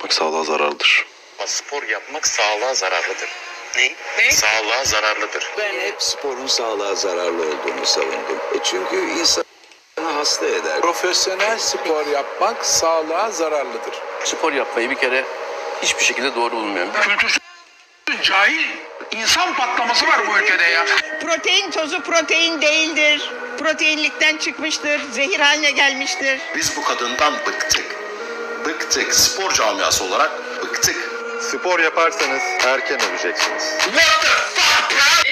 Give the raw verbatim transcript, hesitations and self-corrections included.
yapmak sağlığa zararlıdır. Spor yapmak sağlığa zararlıdır. Ne? Ne? Sağlığa zararlıdır. Ben hep sporun sağlığa zararlı olduğunu savundum. E çünkü insanı hasta eder. Profesyonel spor yapmak sağlığa zararlıdır. Spor yapmayı bir kere hiçbir şekilde doğru bulmuyorum. Kültürsüz, cahil, insan patlaması var bu ülkede ya. Protein tozu protein değildir. Proteinlikten çıkmıştır. Zehir haline gelmiştir. Biz bu kadından bıktık. Bıktık. Spor camiası olarak bıktık. Spor yaparsanız erken öleceksiniz.